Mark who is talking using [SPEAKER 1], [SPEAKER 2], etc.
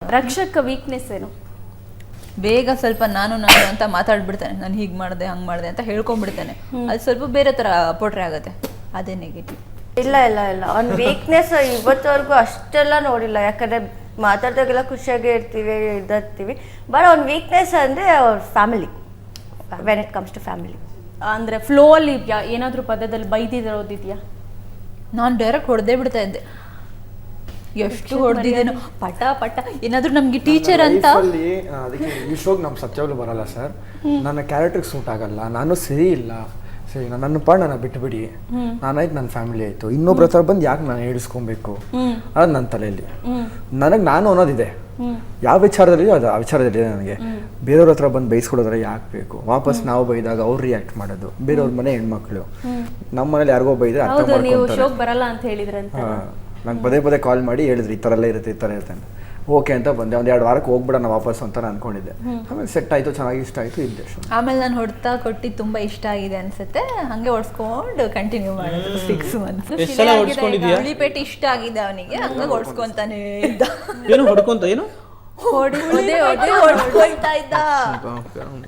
[SPEAKER 1] ರಕ್ಷಕ ವೀಕ್ನೆಸ್ ಏನು?
[SPEAKER 2] ಬೇಗ ಸ್ವಲ್ಪ ನಾನು ಅಂತ ಮಾತಾಡ್ಬಿಡ್ತಾನೆ, ನಾನು ಹೀಗೆ ಮಾಡಿದೆ ಹಂಗೆ ಮಾಡಿದೆ ಅಂತ ಹೇಳ್ಕೊಂಡ್ಬಿಡ್ತಾನೆ. ಅದು ಸ್ವಲ್ಪ ಬೇರೆ ಥರ ಪೋಟ್ರೆ ಆಗುತ್ತೆ, ಅದೇ ನೆಗೆಟಿವ್.
[SPEAKER 3] ಇಲ್ಲ ಅವ್ನ ವೀಕ್ನೆಸ್ ಇವತ್ತವರೆಗೂ ಅಷ್ಟೆಲ್ಲ ನೋಡಿಲ್ಲ, ಯಾಕಂದರೆ ಮಾತಾಡ್ದಾಗೆಲ್ಲ ಖುಷಿಯಾಗೇ ಇರ್ತೀವಿ. ಬಟ್ ಅವ್ನ ವೀಕ್ನೆಸ್ ಅಂದರೆ ಅವ್ರ family, when it comes to family.
[SPEAKER 1] ಅಂದರೆ ಫ್ಲೋ ಅಲ್ಲಿ ಇದೆಯಾ, ಏನಾದರೂ ಪದದಲ್ಲಿ ಬೈದಿರೋದಿದೆಯಾ?
[SPEAKER 2] ನಾನು ಡೈರೆಕ್ಟ್ ಹೊಡೆದೇ ಬಿಡ್ತಾ ಇದ್ದೆ, ಎಷ್ಟು ಹೊಡೆದಿದ್ದೇನೋ ಪಟ ಏನಾದರೂ ನಮಗೆ ಟೀಚರ್ ಅಂತ.
[SPEAKER 4] ಅದಕ್ಕೆ ಈ ಶೋಗೆ ನಮ್ಮ ಸತ್ಯವಾಗ್ಲೂ ಬರಲ್ಲ ಸರ್, ನನ್ನ ಕ್ಯಾರೆಕ್ಟರ್ಗೆ ಸೂಟ್ ಆಗಲ್ಲ, ನಾನು ಸರಿ ಇಲ್ಲ, ಸರಿ ನನ್ನ ಪಾಡ್ ನನ್ನ ಬಿಟ್ಟುಬಿಡಿ, ನಾನಾಯ್ತು ನನ್ನ ಫ್ಯಾಮಿಲಿ ಆಯಿತು, ಇನ್ನೊಬ್ರ ಹತ್ರ ಬಂದು ಯಾಕೆ ನಾನು ಹೇಳಿಸ್ಕೊಬೇಕು ಅದು ನನ್ನ ತಲೆಯಲ್ಲಿ. ನಾನು ಅನ್ನೋದಿದೆ, ಯಾವ ವಿಚಾರದಲ್ಲಿ ಅದು ಆ ವಿಚಾರದಲ್ಲಿ ನನಗೆ ಬೇರೆಯವ್ರ ಹತ್ರ ಬಂದು ಬೈಸ್ಕೊಡೋದ್ರೆ ಯಾಕೆ ಬೇಕು, ವಾಪಸ್ ನಾವು ಬೈದಾಗ ಅವ್ರು ರಿಯಾಕ್ಟ್ ಮಾಡೋದು, ಬೇರೆಯವ್ರ ಮನೆ ಹೆಣ್ಮಕ್ಳು, ನಮ್ಮ ಮನೇಲಿ ಯಾರಿಗೋ ಬೈದ್ರೆ ಅರ್ಥ ಮಾಡ್ಕೊಂತಾರೆ.
[SPEAKER 1] ಬರಲ್ಲ ಅಂತ ಹೇಳಿದ್ರಂತ
[SPEAKER 4] ನಂಗೆ ಪದೇ ಕಾಲ್ ಮಾಡಿ ಹೇಳಿದ್ರು ಈ ಥರ ಎಲ್ಲ ಇರುತ್ತೆ, ಈ ಥರ ಇರುತ್ತೆ. ಓಕೆ ಅಂತ ಬಂದೆ, ಒಂದು 2 ವಾರಕ್ಕೆ ಹೋಗ್ಬಿಡೋಣ ವಾಪಸ್ ಅಂತ ನಾನು ಅನ್ಕೊಂಡಿದ್ದೆ. ಆಮೇಲೆ ಸೆಟ್ ಆಯಿತು, ಚೆನ್ನಾಗಿ ಇಷ್ಟ ಆಯಿತು, ಇದ್ದೆ.
[SPEAKER 2] ಆಮೇಲೆ ನಾನು ಹೊಡ್ತಾ ಕೊಟ್ಟು ತುಂಬ ಇಷ್ಟ ಆಗಿದೆ ಅನ್ಸುತ್ತೆ, ಹಂಗೆ ಹೊಡ್ಸ್ಕೊಂಡು ಕಂಟಿನ್ಯೂ ಮಾಡೋದು 6 months. ಉಳಿಪೇಟೆ ಇಷ್ಟ ಆಗಿದೆ ಅವನಿಗೆ, ಹಂಗೆ ಹೊಡ್ಸ್ಕೊಂತಾನೆ ಇದ್ದ.
[SPEAKER 5] ಏನು ಹೊಡ್ಕೊಂತ ಏನು
[SPEAKER 2] ಹೊಡ್ಕೊಳ್ತಾ ಇದ್ದ.